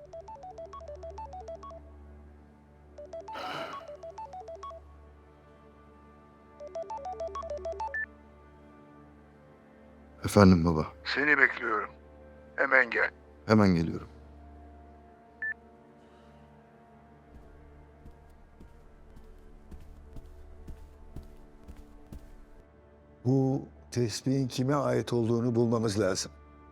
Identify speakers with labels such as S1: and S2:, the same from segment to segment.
S1: Efendim baba.
S2: Seni bekliyorum. Hemen gel.
S1: Hemen geliyorum.
S2: Bu tespihin kime ait olduğunu bulmamız lazım.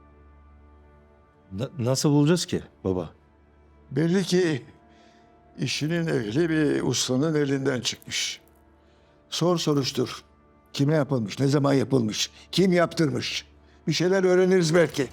S3: Nasıl bulacağız ki baba?
S2: Belli ki işinin ehli bir ustanın elinden çıkmış. Sor soruştur. Kime yapılmış, ne zaman yapılmış, kim yaptırmış? Bir şeyler öğreniriz belki.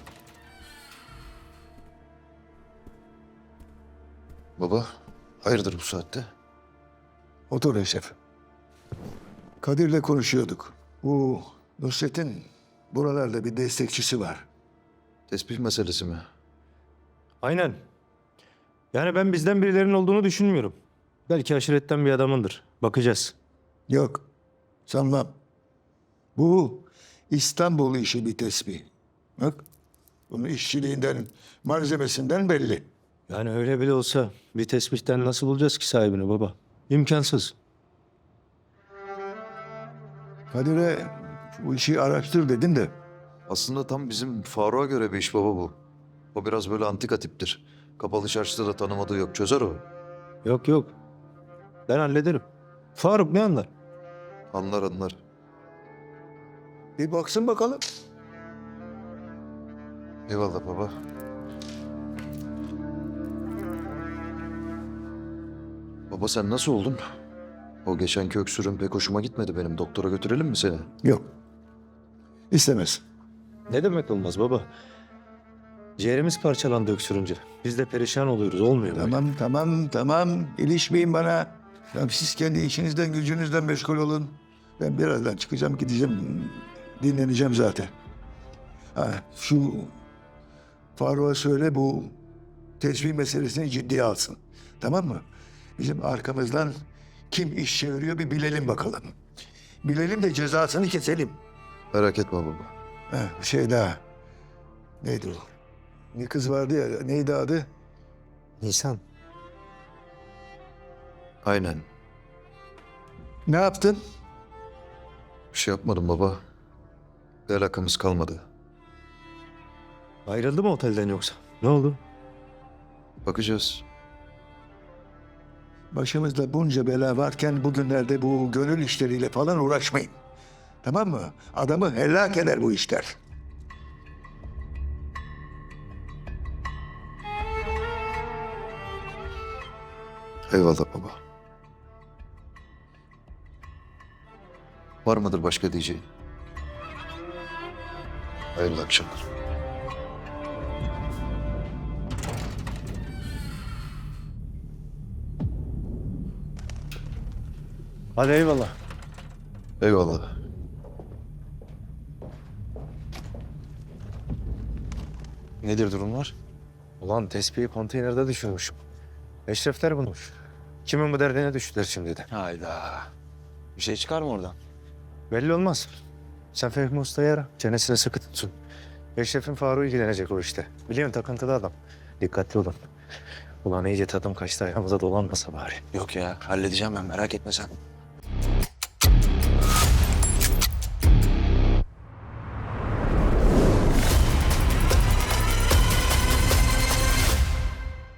S1: Baba, hayırdır bu saatte?
S2: Otur Eşref. Kadir'le konuşuyorduk. Bu Nusret'in buralarda bir destekçisi var.
S1: Tespih meselesi mi?
S3: Aynen. Yani ben bizden birilerinin olduğunu düşünmüyorum. Belki aşiretten bir adamındır. Bakacağız.
S2: Yok, sanmam. Bu İstanbul işi bir tespih. Bak, bunun işçiliğinden, malzemesinden belli.
S3: Yani öyle bile olsa bir tespihten nasıl bulacağız ki sahibini baba? İmkansız.
S2: Kadir'e bu işi araştır dedim de.
S1: Aslında tam bizim Faruk'a göre bir iş baba bu. O biraz böyle antika tiptir. Kapalı çarşıda da tanımadığı yok. Çözer o.
S3: Yok yok. Ben hallederim. Faruk ne anlar?
S1: Anlar anlar.
S2: Bir baksın bakalım.
S1: Eyvallah baba. Baba sen nasıl oldun? O geçenki öksürüğün pek hoşuma gitmedi benim. Doktora götürelim mi seni?
S2: Yok. İstemez.
S3: Ne demek olmaz baba? Ciğerimiz parçalandı öksürünce. Biz de perişan oluyoruz. Olmuyor böyle.
S2: Tamam. İlişmeyin bana. Ya siz kendi işinizden, gücünüzden meşgul olun. Ben birazdan çıkacağım, gideceğim. Dinleneceğim zaten. Ha, şu Faruk'a söyle bu tesbih meselesini ciddiye alsın. Tamam mı? Bizim arkamızdan kim iş çeviriyor bir bilelim bakalım. Bilelim de cezasını keselim.
S1: Merak etme baba.
S2: Ha, bir şey daha. Neydi o? Bir kız vardı ya, neydi adı?
S3: Nisan.
S1: Aynen.
S2: Ne yaptın?
S1: Bir şey yapmadım baba. Bir alakamız kalmadı.
S3: Ayrıldı mı otelden yoksa? Ne oldu?
S1: Bakacağız.
S2: Başımızda bunca bela varken bugünlerde bu gönül işleriyle falan uğraşmayın. Tamam mı? Adamı helak eder bu işler.
S1: Eyvallah baba. Var mıdır başka diyeceğin? Hayırlı akşamlar.
S3: Hadi eyvallah.
S1: Eyvallah.
S3: Nedir durumlar? Ulan tespihi konteynerde düşürmüşüm. Eşrefler bulmuş. Kimin bu derdine düştüler şimdi de.
S4: Hayda. Bir şey çıkar mı oradan?
S3: Belli olmaz. Sen Fehmi Usta'yı ara. Çenesine sıkı tutsun. Eşref'in Faruk'u ilgilenecek o işte. Biliyorsun takıntılı adam. Dikkatli olun. Ulan iyice tadım kaçtı ayağımıza dolanmasa bari.
S4: Yok ya halledeceğim ben merak etme sen.